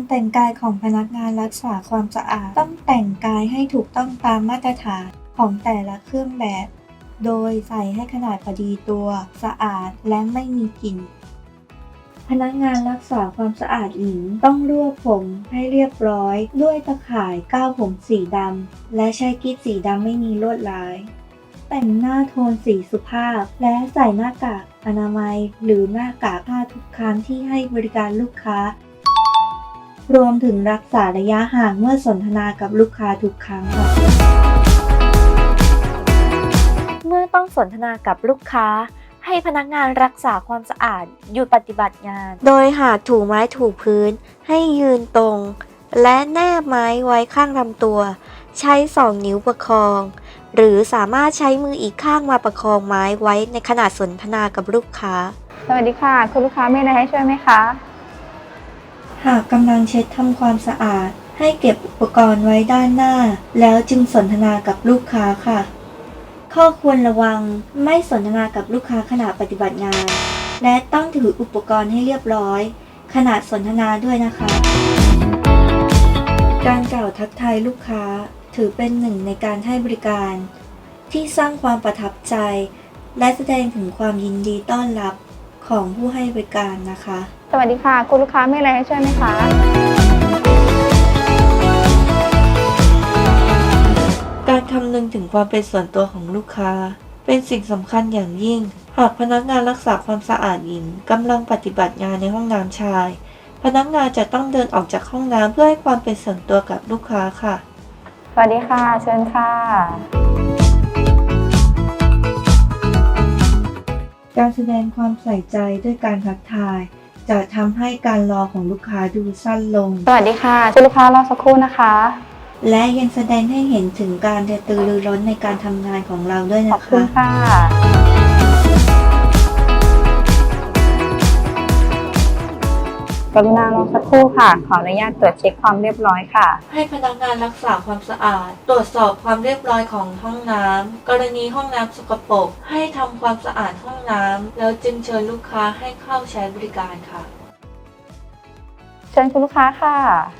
แต่งกายของพนักงานรักษาความสะอาดต้องแต่งกายให้ถูกต้องตามมาตรฐานของแต่ละเครื่องแบบ โดยใส่ให้ขนาดพอดีตัว สะอาดและไม่มีกลิ่น พนักงานรักษาความสะอาดหญิงต้องรวบผมให้เรียบร้อยด้วยตะข่ายก้าวผมสีดำและใช้กิ๊บสีดำไม่มีลวดลาย แต่งหน้าโทนสีสุภาพและใส่หน้ากากอนามัยหรือหน้ากากผ้าทุกครั้งที่ให้บริการลูกค้า รวมถึงรักษาระยะห่างเมื่อสนทนากับลูกค้าทุกครั้งค่ะเมื่อต้องสนทนากับลูกค้าให้พนักงานรักษาความสะอาดหยุดปฏิบัติงาน โดยหากถูไม้ถูพื้นให้ยืนตรง และแนบไม้ไว้ข้างลำตัว ใช้2 นิ้วประคอง หรือสามารถใช้มืออีกข้างมาประคองไม้ไว้ในขณะสนทนากับลูกค้าสวัสดีค่ะคุณลูกค้ามีอะไรให้ช่วยไหมคะหากกำลังเช็ดทำความสะอาดให้เก็บอุปกรณ์ไว้ด้านหน้า แล้วจึงสนทนากับลูกค้าค่ะ ข้อควรระวังไม่สนทนากับลูกค้าขณะปฏิบัติงาน และต้องถืออุปกรณ์ให้เรียบร้อยขณะสนทนาด้วยนะคะ การกล่าวทักทายลูกค้าถือเป็นหนึ่งในการให้บริการ ที่สร้างความประทับใจ และแสดงถึงความยินดีต้อนรับของผู้ให้บริการนะคะสวัสดีค่ะคุณลูกค้ามีอะไรให้ช่วยไหมคะการคำนึงถึงความเป็นส่วนตัวของลูกค้าเป็นสิ่งสำคัญอย่างยิ่ง หากพนักงานรักษาความสะอาดหญิงกำลังปฏิบัติงานในห้องน้ำชาย พนักงานจะต้องเดินออกจากห้องน้ำเพื่อให้ความเป็นส่วนตัวกับลูกค้าค่ะสวัสดีค่ะเชิญค่ะการแสดงความใส่ใจด้วยการทักทาย จะทำให้การรอของลูกค้าดูสั้นลงสวัสดีค่ะคุณลูกค้ารอสักครู่นะคะและยังแสดงให้เห็นถึงการกระตือรือร้นในการทำงานของเราด้วยขอบนะคุณคะค่ะกรุณารอสักครู่ค่ะขออนุญาตตรวจเช็คความเรียบร้อยค่ะให้พนักงานรักษาความสะอาด ตรวจสอบความเรียบร้อยของห้องน้ำกรณีห้องน้ำสกปรกให้ทำความสะอาดห้องน้ำแล้วจึงเชิญลูกค้าให้เข้าใช้บริการค่ะเชิญคุณลูกค้าค่ะ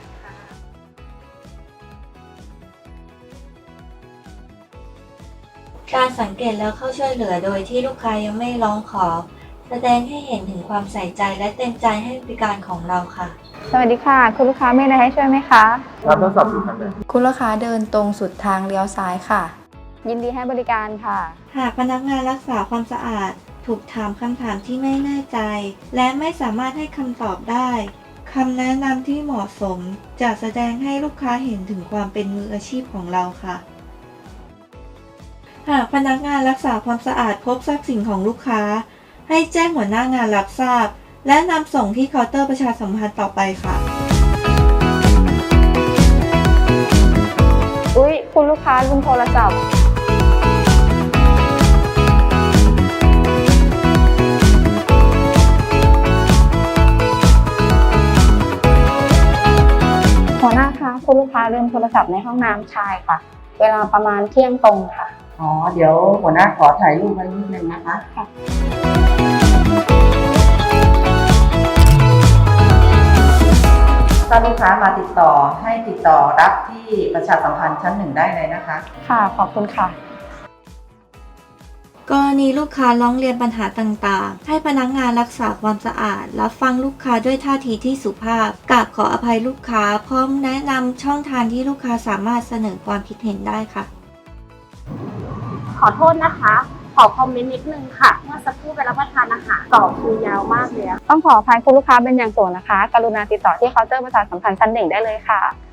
การสังเกตแล้วเข้าช่วยเหลือโดยที่ลูกค้ายังไม่ร้องขอ แสดงให้เห็นถึงความใส่ใจและเต็มใจให้บริการของเราค่ะสวัสดีค่ะคุณลูกค้ามีอะไรให้ช่วยไหมคะรับทดสอบอยู่ทางไหนคุณลูกค้าเดินตรงสุดทางเลี้ยวซ้ายค่ะยินดีให้บริการค่ะหากพนักงานรักษาความสะอาดถูกถามคำถามที่ไม่แน่ใจ และไม่สามารถให้คำตอบได้คำแนะนำที่เหมาะสมจะแสดงให้ลูกค้าเห็นถึงความเป็นมืออาชีพของเราค่ะ หากพนักงานรักษาความสะอาดพบทรัพย์สินของลูกค้า ให้แจ้งหัวหน้างานรับทราบ และนำส่งที่เคาน์เตอร์ประชาสัมพันธ์ต่อไปค่ะอุ๊ยคุณลูกค้าลืมโทรศัพท์หัวหน้าคะคุณลูกค้าลืมโทรศัพท์ในห้องน้ำชายค่ะ เวลาประมาณเที่ยงตรงค่ะอ๋อ เดี๋ยวหัวหน้าขอถ่ายรูปไว้นิดนึงนะคะค่ะถ้าลูกค้ามาติดต่อให้ติดต่อรับที่ประชาสัมพันธ์ชั้น 1ได้เลยนะคะค่ะขอบคุณค่ะกรณีลูกค้าร้องเรียนปัญหาต่างๆ ให้พนักงานรักษาความสะอาดรับฟังลูกค้าด้วยท่าทีที่สุภาพกราบขออภัยลูกค้าพร้อมแนะนำช่องทางที่ลูกค้าสามารถเสนอความคิดเห็นได้ค่ะขอโทษนะคะ ขอคอมเมนต์นิดนึงค่ะ เมื่อสักครู่ไปรับประทานอาหารต่อคิวยาวมากเลยอะต้องขออภัยคุณลูกค้าเป็นอย่างสูงนะคะ กรุณาติดต่อที่เคาน์เตอร์ประชาสัมพันธ์ชั้น 1ได้เลยค่ะ